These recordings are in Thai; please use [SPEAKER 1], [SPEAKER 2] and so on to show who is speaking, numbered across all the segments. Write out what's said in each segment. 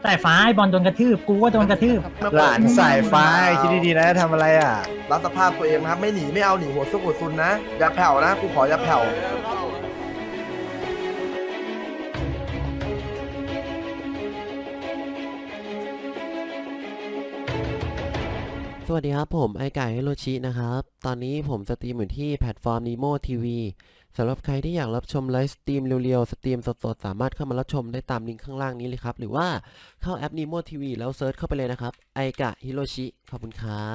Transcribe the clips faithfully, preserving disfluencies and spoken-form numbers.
[SPEAKER 1] สายฟ้าไอ้บอลโดนกระทืบกูก็โดนกระทืบ
[SPEAKER 2] หลานสายฟ้าคิดดีๆนะทำอะไรอ่ะ
[SPEAKER 3] รับสภาพตัวเองนะครับไม่หนีไม่เอาหนีหัวซุกหัวซุนนะอย่าแผ่วนะกูขออย่าแผ่ว
[SPEAKER 4] สวัสดีครับผมไอไก่ฮิโรชินะครับตอนนี้ผมสตรีมอยู่ที่แพลตฟอร์ม Nemo ที วี สำหรับใครที่อยากรับชมไลฟ์สตรีมเร็วๆสตรีมสดๆสามารถเข้ามารับชมได้ตามลิงก์ข้างล่างนี้เลยครับหรือว่าเข้าแอป Nemo ที วี แล้วเซิร์ชเข้าไปเลยนะครับไอกะฮิโรชิขอบคุณครับ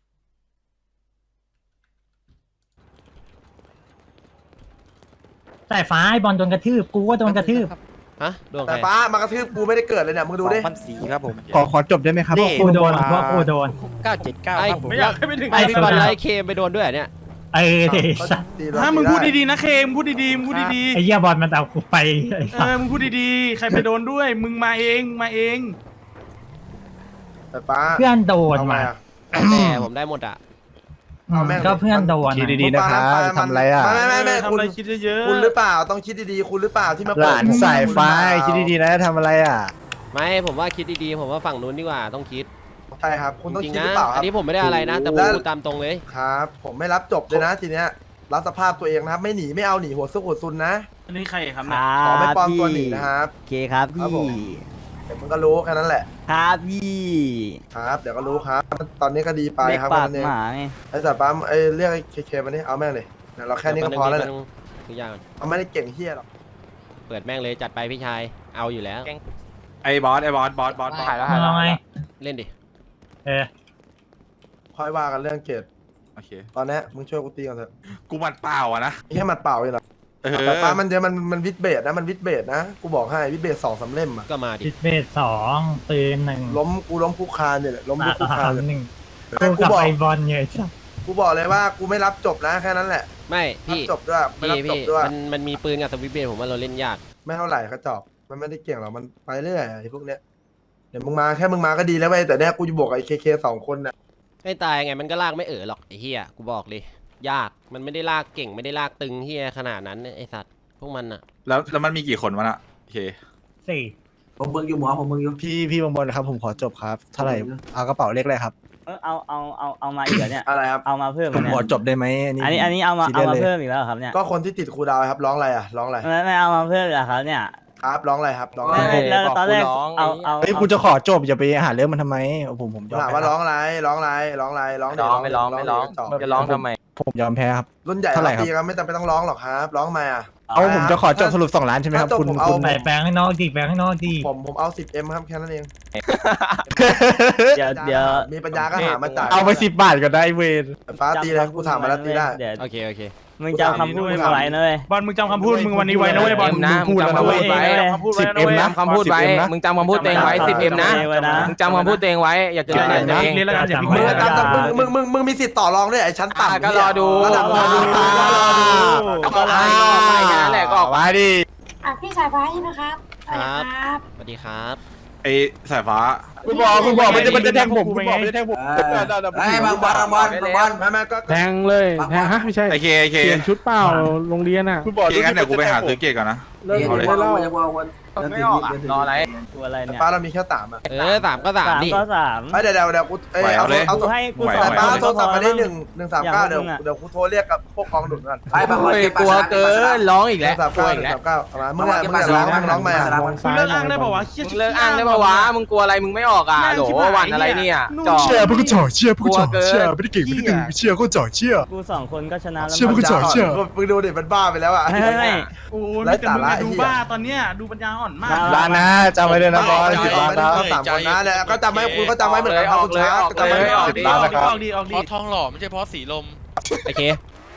[SPEAKER 1] สายฟ้าไอ้บอลโดนกระทืบกูก็โดนกระทืบ
[SPEAKER 4] ฮะดวงใค
[SPEAKER 3] แต่
[SPEAKER 4] ร
[SPEAKER 3] ฟ้ามากระทืบกูไม่ได้เกิดเลยเนี่ยมึงดูดิ
[SPEAKER 5] พันสีครับผม
[SPEAKER 2] ขอขอจบได้ไหมครับ
[SPEAKER 1] พวกกูโดนพวกกูโดน
[SPEAKER 5] เก้าเจ็ดเก้า
[SPEAKER 4] ไอ
[SPEAKER 5] ครับผม
[SPEAKER 6] ไม่อยากให้ไปถึง
[SPEAKER 4] ไอพี่บอลไลท์เคมไปโดนด้วยเหรอเนี่ย
[SPEAKER 1] เออเดสัส
[SPEAKER 6] ถ้ามึงพูดดีๆนะเคมพูดดีๆมึงพูดดี
[SPEAKER 1] ไอ้เหี้ยบอลมันเอากูไปไอ้
[SPEAKER 6] ๆเอ
[SPEAKER 1] สัส
[SPEAKER 6] อมึงพูดดีๆใครไปโดนด้วยมึงมาเองมาเอง
[SPEAKER 3] แต่ฟ้า
[SPEAKER 1] เพื่อนโดน
[SPEAKER 3] เอาไง
[SPEAKER 1] มา
[SPEAKER 3] อะ
[SPEAKER 4] แต่ผมได้หมดอ่ะ
[SPEAKER 3] เอาแม่ง
[SPEAKER 1] ก็เพื่อนโดน
[SPEAKER 2] คิด
[SPEAKER 1] อะ
[SPEAKER 2] ดีๆนะครับทำอะไรอ่ะ
[SPEAKER 3] ไม่ไม่ไม่ไม่
[SPEAKER 6] ทำ
[SPEAKER 3] คุณ
[SPEAKER 6] อะไรคิดเยอะๆ
[SPEAKER 3] คุณหรือเปล่าต้องคิดดีๆคุณหรือเปล่าที่มา
[SPEAKER 2] ห
[SPEAKER 3] เปิด
[SPEAKER 2] ลานสายฟ้าคิดดีๆนะทำอะไรอ่ะ
[SPEAKER 4] ไม่ผมว่าคิดดีๆผมว่าฝั่งนู้นดีกว่าต้องคิด
[SPEAKER 3] ใช่ครับคุณต้อง
[SPEAKER 4] จริง
[SPEAKER 3] คิด
[SPEAKER 4] ๆ
[SPEAKER 3] ห
[SPEAKER 4] นะ
[SPEAKER 3] รือเปล่าค
[SPEAKER 4] อั
[SPEAKER 3] รับ
[SPEAKER 4] นนี้ผมไม่ได้อะไรนะ แต่ผม
[SPEAKER 3] แล้ว
[SPEAKER 4] พูดตามตรงเลย
[SPEAKER 3] ครับ ผมไม่รับจบเลยนะทีเนี้ยรับสภาพตัวเองนะครับไม่หนีไม่เอาหนีหัวซุกหัวซุนนะ
[SPEAKER 6] อันนี้ใครครับ
[SPEAKER 7] ค
[SPEAKER 6] เนี่ย
[SPEAKER 7] รั
[SPEAKER 3] ขอไม่
[SPEAKER 7] บ
[SPEAKER 3] ปลอม
[SPEAKER 7] พี่
[SPEAKER 3] ตัวหนีนะครับ
[SPEAKER 7] โอเคครับ
[SPEAKER 3] ครับ
[SPEAKER 7] พี่
[SPEAKER 3] ผม เดี๋ยวมึงก็รู้แค่นั้นแหละ
[SPEAKER 7] ครับพี่
[SPEAKER 3] ครับเดี๋ยวก็รู้ครับ ตอนนี้ก็ดีไป
[SPEAKER 7] เด็ก
[SPEAKER 3] ครับ
[SPEAKER 7] ปาก
[SPEAKER 3] วันนี้
[SPEAKER 7] หมาไง
[SPEAKER 3] ไอ้สายฟ้าไอ้เรียกไอ้เคเคมานี่เอาแม่งเลยเนี่ยเราแค่นี้ก็พอแล้วเนี่ย
[SPEAKER 4] ทุกอย่างก่อน
[SPEAKER 3] เอาไม่ได้เก่งเฮียหรอก
[SPEAKER 4] เปิดแม่งเลยจัดไปพี่ชายเอาอยู่แล้ว
[SPEAKER 5] ไอ้บอสไอ้บอสบอสบอสบอส
[SPEAKER 1] มึงเอาไง
[SPEAKER 4] เล่นดิ
[SPEAKER 1] เออ
[SPEAKER 3] ค่อยว่ากันเรื่องเกรด
[SPEAKER 5] โอเค
[SPEAKER 3] ตอนนี้มึงช่วยกูตีก่อนเถอะ
[SPEAKER 5] กูมันเปล่าอะนะ
[SPEAKER 3] ไม่ใช่หมัดเปล่าเลยหรอ
[SPEAKER 5] เออ
[SPEAKER 3] แต่ฟ้ามันเยอะมันมันวิดเบสนะมันวิดเบสนะกูบอกให้วิดเบสสองสามเล่มอะ
[SPEAKER 4] ก็มาดิ
[SPEAKER 1] จิตเบสสองปืนหนึ่ง
[SPEAKER 3] ล้มกูล้มคุกคานเนี่ยแหละล้ม
[SPEAKER 1] ตา
[SPEAKER 3] คุกคาน
[SPEAKER 1] สาม
[SPEAKER 3] เลย
[SPEAKER 1] หนึ่ง
[SPEAKER 3] แม่
[SPEAKER 1] กู
[SPEAKER 3] งกู
[SPEAKER 1] กับ
[SPEAKER 3] บอก
[SPEAKER 1] ไอ้บอลเนี่ยไอ้สัส
[SPEAKER 3] กูบอกเลยว่ากูไม่รับจบนะแค่นั้นแหละ
[SPEAKER 4] ไม่
[SPEAKER 3] รับ
[SPEAKER 4] พี่
[SPEAKER 3] จบด้วยไม่
[SPEAKER 4] พี่
[SPEAKER 3] รับจบ
[SPEAKER 4] พี่
[SPEAKER 3] ด้วย
[SPEAKER 4] มันมันมีปืนกับสวิตช์เบลผมว่าเราเล่นยาก
[SPEAKER 3] ไม่เท่าไหร่เขาจอบมันไม่ได้เก่งหรอกมันไปเรื่อยไอ้พวกเนี้ยเดี๋ยวมึงมาแค่มึงมาก็ดีแล้วเว้ยแต่เนี้ยกูจะบวกกับไอ้เคเคสองคนน่ะ
[SPEAKER 4] ไม่ตายไงมันก็ลากไม่เอ๋อหรอกไอ้เฮียกูบอกเลยยากมันไม่ได้ลากเก่งไม่ได้ลากตึงเฮียขนาดนั้นไอ้สัตว์พวกมันอะ
[SPEAKER 5] แล้วแล้วมันมีกี่คนวะน่ะโอเค
[SPEAKER 1] สี่
[SPEAKER 8] ผมเบิ่งอยู่หมอผมเบิ่งอยู่
[SPEAKER 2] พี่พี่บางบนครับผมขอจบครับเท่าไหร่เอากระเป๋าเลขอะไรครับ
[SPEAKER 7] เออเอาเอาเอาเอามาอีกเหรอเนี่ย
[SPEAKER 3] อะไรครับ
[SPEAKER 7] เอามาเพิ่ม
[SPEAKER 2] ผม
[SPEAKER 7] เหรอ
[SPEAKER 2] ขอ
[SPEAKER 7] เนี่ย
[SPEAKER 2] จบได้ไหม
[SPEAKER 7] อันนี้อันนี้เอามา
[SPEAKER 2] ซี
[SPEAKER 7] เอา
[SPEAKER 2] รียส
[SPEAKER 7] มา
[SPEAKER 2] ลย
[SPEAKER 7] เพิ่มอีกแล้วเหรอครับเนี่ย
[SPEAKER 3] ก็คนที่ติดครูดาวครับร้องอะไรอ่ะร้องอะไร
[SPEAKER 7] ไม่ไม่เอามาเพิ่มเหรอครับเนี่ย
[SPEAKER 3] ครับร้องอะไรครับร้องอะ
[SPEAKER 7] ไม่
[SPEAKER 3] ไร
[SPEAKER 7] ไม่แล้วตอนแรกเอาเอา
[SPEAKER 2] เฮ้ยกูจะขอจบอย่าไปหาเรื่องมันทำไมผมผมยอม
[SPEAKER 3] ถาม
[SPEAKER 2] แพ้
[SPEAKER 3] ว่าร้องอะไรร้องอะไรร้องอะไรร้องดิ
[SPEAKER 8] ร้องไม่ร้องไม่ร้อง
[SPEAKER 3] จบ
[SPEAKER 8] จะร้องทำไม
[SPEAKER 2] ผมยอมแพ้ครับ
[SPEAKER 3] รุ่นใหญ่
[SPEAKER 2] เท่าไหร่ครับ
[SPEAKER 3] ตีกันไม่จำเป็นต้องร้องหรอกครับร้องมาอ่ะ
[SPEAKER 2] เอาผมจะขอจบสรุปสองล้านใช่ไหมครับ
[SPEAKER 3] ถ้าจบ
[SPEAKER 2] คุณ
[SPEAKER 3] ผมเอา
[SPEAKER 2] คุณ
[SPEAKER 1] ไปแปลงข้างนอกดิแปลงข้างนอกดิ
[SPEAKER 3] ผมผมเอาสิบเอ็มครับแค่นั้นเอง
[SPEAKER 7] เดี๋ยวเดี๋ยว
[SPEAKER 3] มีปัญญาก็หามาจ่าย
[SPEAKER 2] เอาไปสิบบาทก็ได้เวร
[SPEAKER 3] ฟ้าตีเลยกูถามมาแล้วตีได้
[SPEAKER 7] เดี๋ยว
[SPEAKER 4] โอเคโอเค
[SPEAKER 7] มึงจำคำพูดมึงไว้นะเว้ย
[SPEAKER 6] บอลมึงจำคำพูดมึงวันนี้ไว้นะเว้ยบอล
[SPEAKER 8] เอ็มนะ
[SPEAKER 2] พูดแล้วนะ
[SPEAKER 8] มึง
[SPEAKER 2] เว้ย
[SPEAKER 8] จำคำพูดไว้
[SPEAKER 6] คำพูดไว้
[SPEAKER 2] สิบ
[SPEAKER 6] นะ
[SPEAKER 2] เอ็ม
[SPEAKER 6] เว้ย
[SPEAKER 2] นะ
[SPEAKER 8] จำคำพูดไว้
[SPEAKER 2] สิบเอ็มนะ
[SPEAKER 8] มึงจำคำพูดตัวเองไว้สิบเอ็มนะ
[SPEAKER 7] ไว้นะ
[SPEAKER 8] มึงจำคำพูดตัวเองไว้ อย่าเกินใจตัวเอง
[SPEAKER 6] เรียนแล้วกันอย่าพิมพ์
[SPEAKER 3] มึง
[SPEAKER 6] เลย
[SPEAKER 3] ตามตามมึงมึงมึงมึงมีสิทธิ์ต่อรองด้วยไอ้ชั้น
[SPEAKER 8] อ่ะ
[SPEAKER 3] ต่ำ
[SPEAKER 8] ก็รอดู
[SPEAKER 3] ระดับ
[SPEAKER 7] รอดู
[SPEAKER 8] ก็รอดูก็ไปแค่นั้นแหละก็ออก
[SPEAKER 2] มาดิ
[SPEAKER 9] อ่ะพี่สายฟ้าใช่ไหมครับสวัสดีครับ
[SPEAKER 4] สวัสดีครับ
[SPEAKER 5] ไอ้สายฟ้า
[SPEAKER 2] คุณบอกคุณบอกมันจะมันจะแทงผมคุณบอกมันจะแทงผม
[SPEAKER 8] ไอ้บางบอลบางบอลบางบอล
[SPEAKER 3] ไม่ไม่ก็
[SPEAKER 6] แทงเลยแทงฮะไม่ใช่
[SPEAKER 5] ไอเคไอเค
[SPEAKER 6] เปลี่ยนชุดเปล่าโรงเรียนอ่ะ
[SPEAKER 2] คุณบอก
[SPEAKER 5] เคงั้นเดี๋ยวกูไปหาซื้อเกตก่อนนะ
[SPEAKER 8] เล่น
[SPEAKER 5] เอาเลย
[SPEAKER 8] เล่าจะว่าวันไม่ออกอ่ะรออะไร
[SPEAKER 7] ตัวอะไรเนี่ย
[SPEAKER 3] ฟ้าเรามีแค่สามอ่ะ
[SPEAKER 4] เออสามก็สาม
[SPEAKER 7] สาม
[SPEAKER 4] ดิ
[SPEAKER 7] ก็สาม
[SPEAKER 3] ไอ้เดี๋ยวเดี๋ยวเดี๋ยวกูเอ้ยเอาเอา
[SPEAKER 7] กูให้กูส
[SPEAKER 3] แต่
[SPEAKER 7] อง
[SPEAKER 3] ฟ้า
[SPEAKER 7] คน
[SPEAKER 3] โทรศัพท์มาได้หนึ่ง
[SPEAKER 7] พอ
[SPEAKER 3] หนึ่งสามเก้าเดี๋ยวเดี๋ยวกูโทรเรียกกับพวกกองดุนก่อน
[SPEAKER 8] ไอ้บางบอลกลัวเกินร้องอีก
[SPEAKER 3] ห
[SPEAKER 8] แล้
[SPEAKER 3] นึ่
[SPEAKER 8] ว
[SPEAKER 3] งสาม
[SPEAKER 8] กลัว
[SPEAKER 3] เก้าห
[SPEAKER 8] อี
[SPEAKER 3] นึ่
[SPEAKER 8] ก
[SPEAKER 3] ง
[SPEAKER 8] แล้ว
[SPEAKER 3] สามเก้าเอามามึงอะมึงอะร้องมึงร้องมาอ่ะ
[SPEAKER 6] มึงเลิกอ้างได้ป่าวะ
[SPEAKER 8] มึงเลิกอ้างได้ปะวะมึงกลัวอะไรมึงไม่ออกอ่ะโหลวันอะไรเนี่ยจ่อ
[SPEAKER 2] เชียร์พวกกูจ่อเชียร์พวกกูจ่อเชียร์ไม่ได้เก่งไม่ได้ตึงเชียร์ก็จ่อเชียร์
[SPEAKER 7] กูสองคนก็ชนะแล้ว
[SPEAKER 2] เชื่อพวกกูจ่อเชื่อ
[SPEAKER 3] มึงดูดิมันบ้าไปแล้วอ่ะ
[SPEAKER 7] ไม่ไม่ไม่
[SPEAKER 6] โอ้ยแต่มึงดูบ้าตอนเนี้ยดูปัญญาอ่อนมาก
[SPEAKER 2] ล้านนะจำไว้ด้วยนะบอลสิบล้านนะ
[SPEAKER 3] ก็สามคนนะแล้วก็จำไว้คุณก็จำไว้เหมือนกันครับคุณช้าจำไว้
[SPEAKER 6] ออก
[SPEAKER 3] สิบ
[SPEAKER 6] ดี
[SPEAKER 3] ล้าน
[SPEAKER 6] ออก
[SPEAKER 3] นะ
[SPEAKER 6] ดี
[SPEAKER 3] ครับ
[SPEAKER 6] ออกดีออก
[SPEAKER 10] เพ
[SPEAKER 6] ดี
[SPEAKER 10] ราะทองหล่อไม่ใช่เพราะสีลม
[SPEAKER 4] โอเค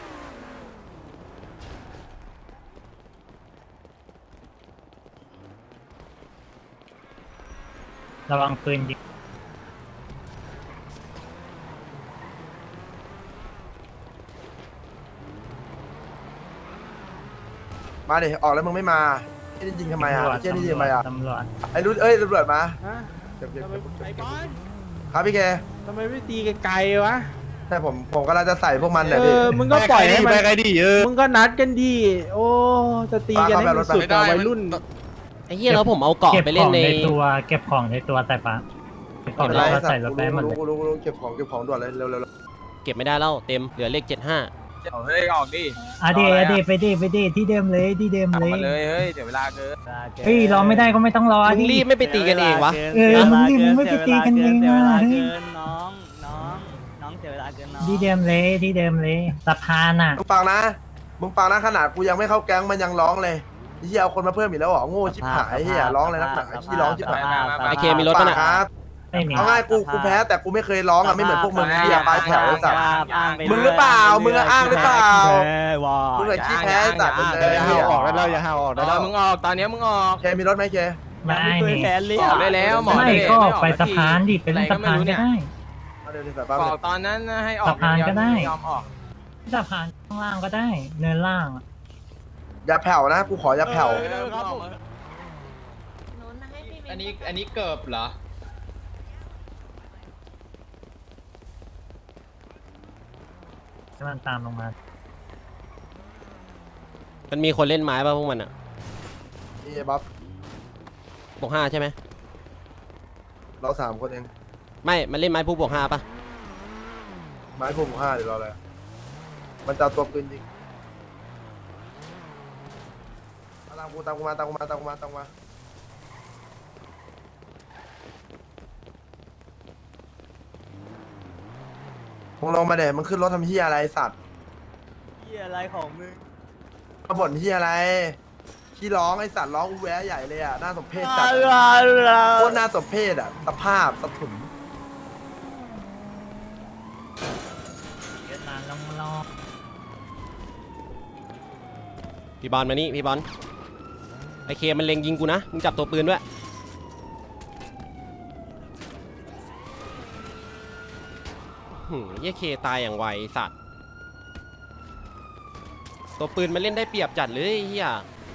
[SPEAKER 1] ระวังปืนยิง
[SPEAKER 3] มาดิออกแล้วมึงไม่มาไอ้นี่ยิงทำไมอ่ะไอ้เจ้านี่ยิงทำไมอ่ะ
[SPEAKER 1] ตำรวจ
[SPEAKER 3] ไอ้รุ่นเอ้ยตำรวจมาเก็บเก็บ
[SPEAKER 6] ไอ้บอล
[SPEAKER 3] ครับพี่แก
[SPEAKER 6] ทำไมไม่ตีไกลๆวะ
[SPEAKER 3] ใช่ผมผมกำลังจะใส่พวกมัน
[SPEAKER 6] เอ
[SPEAKER 3] เนี่ยพี่
[SPEAKER 6] อมึงก็ปล่อยให้มัน
[SPEAKER 2] ไปไกลดิเออ
[SPEAKER 6] มึงก็นัดกันดีโอ้จะตีกันให้มันสุด
[SPEAKER 10] ไม่
[SPEAKER 6] แต่
[SPEAKER 10] ได้
[SPEAKER 6] วัยรุ่น
[SPEAKER 4] ไอ้เหี้ยแล้วผมเอาเกาะ
[SPEAKER 1] เก็บ
[SPEAKER 4] ไป
[SPEAKER 1] ข
[SPEAKER 4] เล่น
[SPEAKER 1] อง
[SPEAKER 4] ใน
[SPEAKER 1] ในตัวเก็บของในตัวสายฟ้าเก็บของแล้วก็ใส่รถไปให้หมดเลย
[SPEAKER 3] กูรู้กูรู้กูรู้เก็บของเก็บของด่วนเลยเร็วเร็วเร็ว
[SPEAKER 4] เก็บไม่ได้แล้วเต็มเหลือเลขเจ็ดห้า
[SPEAKER 8] เอาเฮ้ยออกดิ
[SPEAKER 1] อ่ะดีอ่ะดีไปดีไปดีที่เดิมเลยที่เดิม
[SPEAKER 8] กลับ
[SPEAKER 1] เลย
[SPEAKER 8] มาเลยเฮ้ยเดี๋ยวเวลาเกิน
[SPEAKER 1] เฮ้ยรอไม่ได้ก็ไม่ต้องรอ
[SPEAKER 4] มึง
[SPEAKER 1] ดิ
[SPEAKER 4] รีบไม่ไปตีกันเองวะ
[SPEAKER 1] เออมึงรีบมึงไม่ไปตีกันเอง
[SPEAKER 7] เสีย
[SPEAKER 1] นะ
[SPEAKER 7] เวลา
[SPEAKER 1] เฮ้ย
[SPEAKER 7] เกินน้องน้องน้องเสียเวลาเกินน้อง
[SPEAKER 1] ที่เดิมเลยที่เดิมเลยสะพานอ่ะ
[SPEAKER 3] มึงฟังนะมึงฟังนะขนาดกูยังไม่เข้าแก๊งมันยังร้องเลยเฮียเอาคนมาเพิ่มอีกแล้วเหรอโง่ชิบหายเฮียร้องเลยนักหนาขี้ร้องชิบหาย
[SPEAKER 4] ไอเคมีรถป่ะน่ะ
[SPEAKER 3] ครับ
[SPEAKER 1] ไม่มี
[SPEAKER 3] เอาง่ายกูกูแพ้แต่กูไม่เคยร้องอ่ะไม่เหมือนพวกมึงเฮียปลายแถวไอ้สัตว์
[SPEAKER 7] อ้างไป
[SPEAKER 3] มึงหรือเปล่ามึงอะอ้างหรือเปล่า
[SPEAKER 7] ว้า
[SPEAKER 3] มึงเลยขี้แพ้ไอ้สัตว์มึงเลย
[SPEAKER 2] อย่า
[SPEAKER 3] เฮี
[SPEAKER 2] ห้าวย ออกได้แล้วอย่าห้าวออกได้
[SPEAKER 8] เอ
[SPEAKER 2] แล้
[SPEAKER 8] อ
[SPEAKER 2] ว
[SPEAKER 8] มึงออกตอนเนี้ยมึงออก
[SPEAKER 3] เคมีรถไหมเค
[SPEAKER 1] ไม่
[SPEAKER 7] ตัว
[SPEAKER 1] มี
[SPEAKER 7] แขนเลี้
[SPEAKER 8] ออกได้แล้วหมอ
[SPEAKER 1] ไม่
[SPEAKER 8] ด้
[SPEAKER 1] ก็
[SPEAKER 8] ม่ออก
[SPEAKER 1] ไป
[SPEAKER 8] สั
[SPEAKER 1] สะ
[SPEAKER 8] ที
[SPEAKER 1] พานดิไปเล่นสะพานก็ได้
[SPEAKER 3] เอาเดี๋ยวใส่ป้า
[SPEAKER 8] อ
[SPEAKER 3] เล
[SPEAKER 8] อก
[SPEAKER 3] ย
[SPEAKER 8] ตอนนั้นให้ออก
[SPEAKER 1] สะพานก็ได้
[SPEAKER 8] ม่ยอมออก
[SPEAKER 1] สะพานข้างล่างก็ได้ เนินล่างอะ
[SPEAKER 3] อย่าแผ่วนะกูขออย่าแผ่ว
[SPEAKER 8] เออครับผม
[SPEAKER 10] อันนี้อันนี้เกิบเหรอ
[SPEAKER 1] ให้มันตามลงมา
[SPEAKER 4] มันมีคนเล่นไม้ป่ะพวกมันอ่ะ
[SPEAKER 3] นี่บ๊อบ
[SPEAKER 4] บวกห้าใช่ไหม
[SPEAKER 3] เราสามคนเอง
[SPEAKER 4] ไม่มันเล่นไม้ผู้บวกห้าป่ะ
[SPEAKER 3] ไม้พุ่มห้าเดี๋ยวรออะไรมันจะเอาตัวปืนยิงตามกูตามกูมาตามกูมาตามกูมาตามกูมามึงลงมาเดี๋ยวมึงขึ้นรถทำเฮียอะไรไอ้สัตว์
[SPEAKER 7] เหี้ยอะไรของมึง
[SPEAKER 3] มาบ่นเฮียอะไรขี้ร้องไอสัตว์ร้องอูแวะใหญ่เลยอ่ะน่าสมเพชจัด
[SPEAKER 7] อะไร
[SPEAKER 3] โคตรน่าสมเพชอ่ะสภาพสะถุน
[SPEAKER 1] เดี๋ยวตามลงรอ
[SPEAKER 4] พี่บอลมานี่พี่บอลไอเคมันเล็งยิงกูนะมึงจับตัวปืนด้วยหืมเหี้ยเคตายอย่างไวไอ้สัตว์ตัวปืนมันเล่นได้เปรียบจัดเลยไอ้เฮีย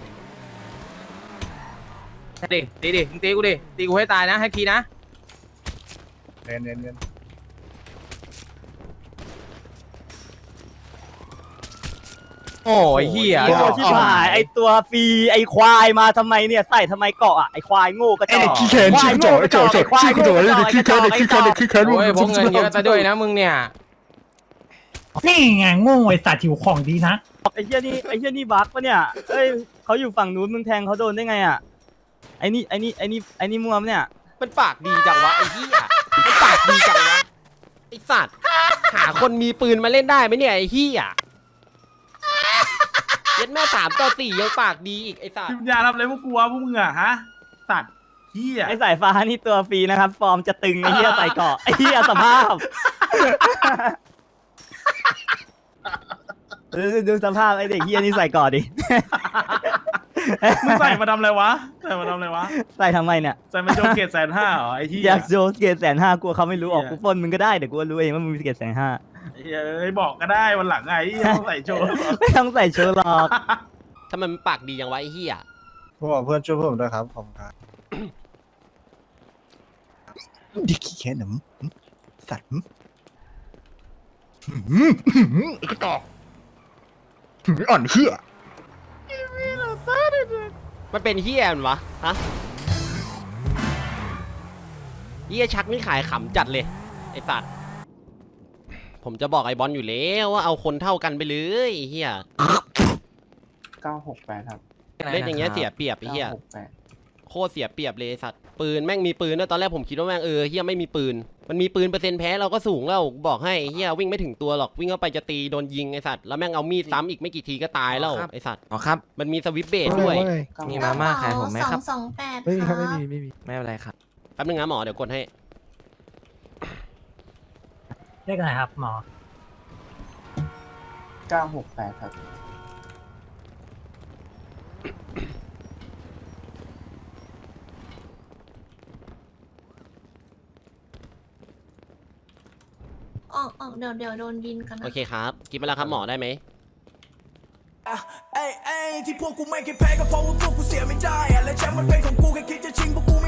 [SPEAKER 8] ดิตีดิมึงตีกูดิตีกูให้ตายนะให้ทีนะ
[SPEAKER 2] เน้นเน้นเน้น
[SPEAKER 8] โอ้ยเฮีย
[SPEAKER 7] ไอตัวชิบหายไอตัวฟรีไอควายมาทำไมเนี่ยใส่ทำไมเกาะอ่ะไอควายโง่กระจ
[SPEAKER 2] ไอ้
[SPEAKER 7] อก
[SPEAKER 2] เด็กขี้แค้นชี้กระจอกไอ้จอกจอกชี้กระจอกไอ้เด็กขี้แค้นเด็กขี้แค้นเด็กขี้แค้น
[SPEAKER 8] โอ้ยพกเงินเยอะซะด้วยนะมึงเนี่ย
[SPEAKER 1] นี่ไงโง่ไอ้สัตว์หิวของดีนะ
[SPEAKER 7] ไอเหี้ยนี่ไอเหี้ยนี่บั๊กปะเนี่ยเอ้ยเขาอยู่ฝั่งนู้นมึงแทงเขาโดนได้ไงอ่ะไอนี่ไอนี่ไอนี่ไอนี่มัวมเนี่ย
[SPEAKER 4] มันปากดีจังวะไอ้เฮียมันปากดีจังวะไอ้สัตว์หาคนมีปืนมาเล่นได้ไหมเนี่ยไอ้เฮียเย็ดแม่สามต่อสี่ยังปากดีอีกไอ้สัตว์
[SPEAKER 6] พิมยาทำอะไรพวกกูวะพวกมึงอะฮะสัตว์เฮีย
[SPEAKER 7] ไอสายฟ้านี่ตัวฟรีนะครับ ฟอร์มจะตึงไอเหี้ยใส่เกาะไอเหี้ยสภาพดูดูสภาพไอเด็กเหี้ยนี่ใส่เกาะดิ
[SPEAKER 6] มึงใส่มาทำอะไรวะใส่มาทำอะไรวะ
[SPEAKER 7] ใส่ทำไมเนี่ย
[SPEAKER 6] ใส่มาโจเกตแสนห้าเหรอไอ้เฮีย
[SPEAKER 7] อยากโจสเกตแสนห้ากลัวเขาไม่รู้ออก
[SPEAKER 6] เหี้ย
[SPEAKER 7] กูปล้นมึงก็ได้เดี๋ยวกูรู้เองว่ามึงมีเกตแสนห้า
[SPEAKER 6] ไอ้เฮียเอ้ยบอกก็ได้วันหลังไงไอ้เหี้ยต้องใส่โจ
[SPEAKER 7] ไม่ต้องใส่โชว์หรอก
[SPEAKER 4] ทำไมมันปากดีอย่างวะไอ้เฮีย
[SPEAKER 2] ผมบอกเพื่อนช่วยผมด้วยครับผมครับเด็กขี้แค้นหนุ่มสัตว์ไอ้กระจอกอ่อนเหี้ย
[SPEAKER 4] มันเป็นเฮียมันวะฮะเฮียชักนี่ขายขำจัดเลยไอ้สัตว์ผมจะบอกไอ้บอลอยู่แล้วว่าเอาคนเท่ากันไปเลยไอ้เฮีย
[SPEAKER 11] เก้าหกแปดครับ
[SPEAKER 4] เล่นอย่างเงี้ยเสียเปรียบไอ้เฮีย
[SPEAKER 11] เก้าหกแปด
[SPEAKER 4] โคตรเสียเปรียบเลยไอ้สัตว์ปืนแม่งมีปืนด้วยตอนแรกผมคิดว่าแม่งเออเฮียไม่มีปืนมันมีปืนเปอร์เซ็นต์แพ้เราก็สูงแล้วบอกให้ไอ้เฮียวิ่งไม่ถึงตัวหรอกวิ่งเข้าไปจะตีโดนยิงไอ้สัตว์แล้วแม่งเอามีดซ้ำอีกไม่กี่ทีก็ตายแล้วไอ้สัตว์
[SPEAKER 8] อ๋อครับ
[SPEAKER 4] มันมีสวิปเบสด้วย
[SPEAKER 8] มีมาม่าขายผมไหมครับ
[SPEAKER 9] สองแปด
[SPEAKER 2] ไม่มีครับไม่มีไม่มี
[SPEAKER 8] ไม่เป็นไรครับ
[SPEAKER 4] แป๊บนึงนะหมอเดี๋ยวกดให้
[SPEAKER 1] เรียกอะไรครับหมอ
[SPEAKER 11] เก้าหกแปดครับ
[SPEAKER 9] ออกออกเดี๋ยวเดี๋ยวโดนบินกันนะ
[SPEAKER 4] โอเคครับกินไปแล้วครับหมอได้ไหม
[SPEAKER 12] ไอ้ไอ้ที่พวกกูไม่เคยแพ้ก็เพราะว่าพวกกูเสียไม่ได้อะและแชมป์มันเป็นของกูแค่คิดจะชิงพวกกู